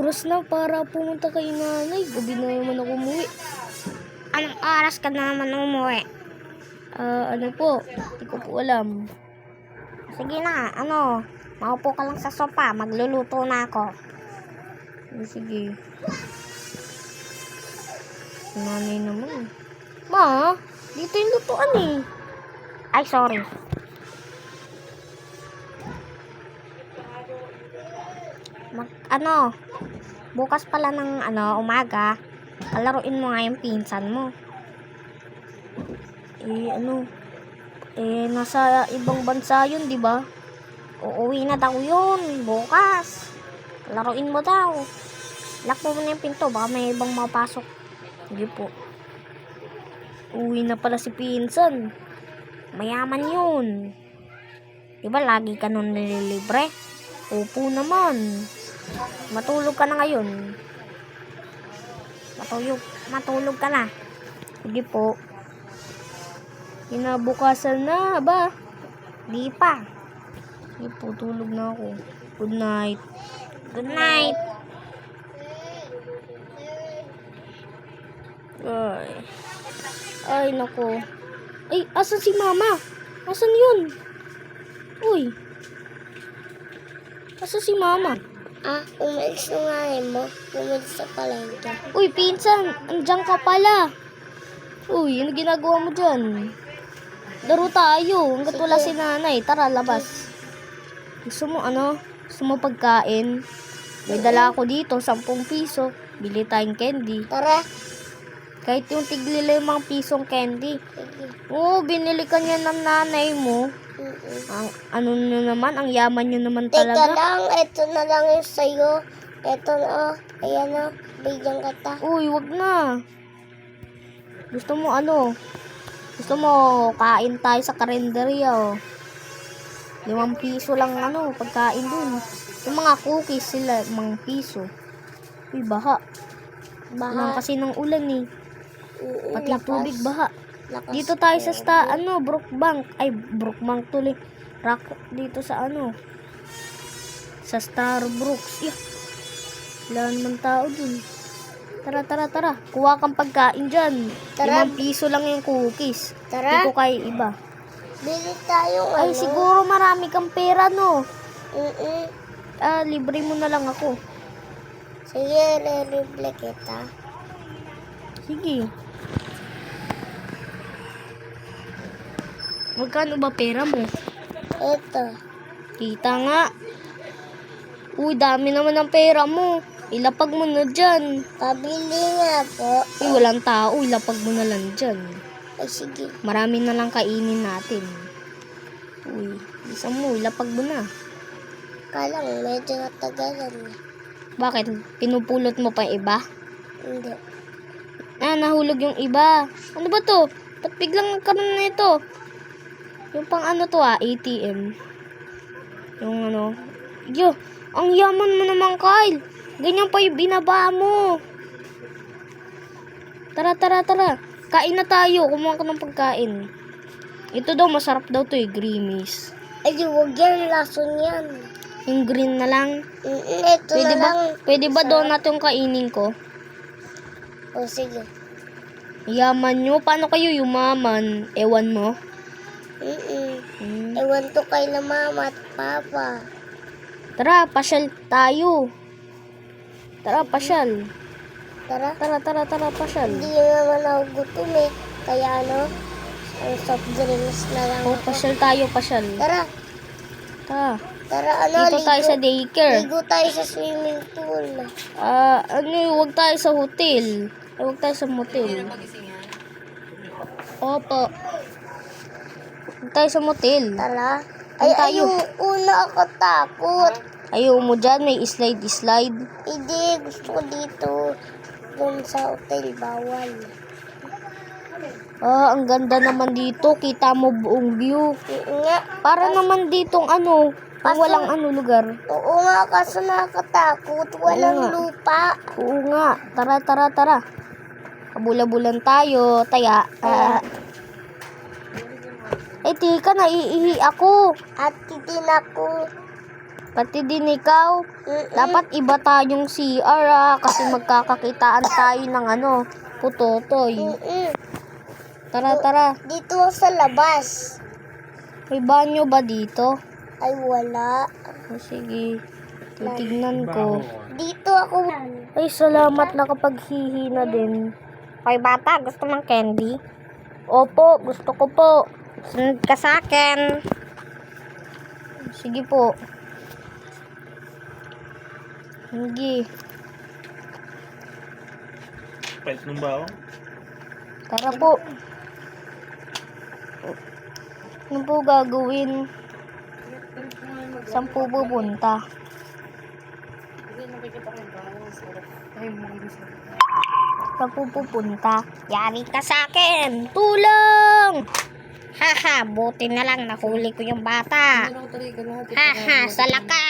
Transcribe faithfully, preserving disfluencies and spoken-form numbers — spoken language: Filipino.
oras na para pumunta kay nanay? Gabi na naman ako umuwi. Anong oras ka na naman umuwi? Ah, ano po? Hindi ko po alam. Sige na, ano, maupo ka lang sa sopa, magluluto na ako. Oh, sige. Nanay naman. Ma, dito yung lutuan eh. Ay, sorry. Mag, ano, bukas pala ng ano, umaga, kalaruin mo nga yung pinsan mo. Eh, ano? Eh, nasa ibang bansa yun, di ba? Uuwi na daw yun, bukas. Kalaruin mo daw. Lock mo muna yung pinto, baka may ibang mapasok. Sige po. Uwi na pala si pinsan. Mayaman yun. Diba lagi ka nun nililibre? Opo naman. Matulog ka na ngayon. Matulog, matulog ka na. Sige po. Kinabukasan na ba? Di pa. Sige po, tulog na ako. Good night. Good night. Ay. Ay, nako. Ay, asan si mama? Asan yun? Uy. Asan si mama? Ah, umalis na nga eh mo. Umalis na pala ito. Uy, pinsan, andyan ka pala. Uy, ano ginagawa mo dyan? Laro tayo, hanggat wala si nanay. Tara, labas. Gusto mo ano? Gusto mo pagkain? May dala ako dito, sampung piso. Bili tayong candy. Tara. Kahit yung tigli limang pisong candy. Sige. Oo, binili ka niya ng nanay mo. Mm-mm. Ang ano nyo naman, ang yaman nyo naman Teka talaga. lang, ito na lang yung sa'yo. Ito na, oh. Ayan o, bigyan kita. Uy, wag na. Gusto mo ano? Gusto mo kain tayo sa karinderya oh. Limang piso lang ano, pagkain dun. Yung mga cookies sila, limang piso. Uy, baha. Baha. kasi ng ulan eh. Mm-mm, Pati lakas. tubig, baha. Lakas. Dito tayo sa sta, ano, Brookbank. Ay, Brookbank tuloy. Rock, dito sa ano. Sa Starbucks. Yeah. Wala naman tao dun. Tara, tara, tara. Kuha kang pagkain dyan. Tara. Limang piso lang yung cookies. Tara. Hindi ko kaya iba. Bili tayo Ay, ano. siguro marami kang pera, no? Mm-mm. Ah, libre mo na lang ako. Sige, re-replay kita. Sige. Magkano ba pera mo? Ito. Kita nga. Uy, dami naman ng pera mo. Ilapag mo na dyan. Pabili nga po. Uy, walang tao. Ilapag mo na lang dyan. Ay, sige. Marami na lang kainin natin. Uy, isa mo. Ilapag mo na. Kala mo, medyo natagalan na. Bakit? Pinupulot mo pa yung iba? Hindi. Ah, nahulog yung iba. Ano ba to? Ba't biglang nagkaroon na ito? Yung pang ano to ah, A T M. Yung ano. Yo, ang yaman mo naman, Kyle. Ganyan pa yung binaba mo. Tara, tara, tara. Kain na tayo. Kumuha ka ng pagkain. Ito daw, masarap daw to eh, Grimace. Ay, huwag yan. Lason yan. Yung green na lang. Mm-mm, ito Pwede na ba, lang. pwede ba Sarap. donut yung kainin ko? O, sige. Yaman nyo. Paano kayo yumaman? Ewan mo. Mm-mm. Hmm. Ewan to kay na mama at papa. Tara, pasyal tayo. Tara, pasyal. Tara. Tara, tara, tara, pasyal. Hindi naman ako gutom eh. Kaya ano, ang soft drinks na lang Oh, ako. pasyal tayo, pasyal. Tara. Tara. Tara, ano, Dito tayo sa daycare. Ligo tayo sa swimming pool. Ah, ano, huwag tayo sa hotel. Ay, huwag tayo sa motel. Opo. Huwag tayo sa motel. Tara. Ay, Ay, tayo. ayoko na ako takot. Ayaw mo dyan, may slide-slide. Hindi, gusto ko dito. Doon sa hotel, bawal. Ah, ang ganda naman dito. Kita mo buong view. Oo nga. Para naman ditong ano, kung Kaso- walang ano lugar. Oo nga, kaso nakakatakot. Walang Oo nga. lupa. Oo nga. Tara, tara, tara. Kabula-bulan tayo. Taya. Ah. Eh, tika, naiihi ako. At titin ako. Pati din ikaw. Dapat iba tayong C R ah, kasi magkakakitaan tayo ng ano, putotoy. Mm-mm. Tara, tara. Dito sa labas. May banyo ba dito? Ay, wala. O sige, titignan ko. Dito ako. Ay, salamat nakapaghihi na din. Hoy, bata, gusto mong candy? Opo, gusto ko po. Sunod ka sa akin. Sige po. Sige. Pait ng bao. Tara po. Ano po gagawin? Saan po pupunta? Saan po pupunta? Yari ka sa akin. Tulong! Haha, buti na lang nahuli ko yung bata. Haha, sa lakas.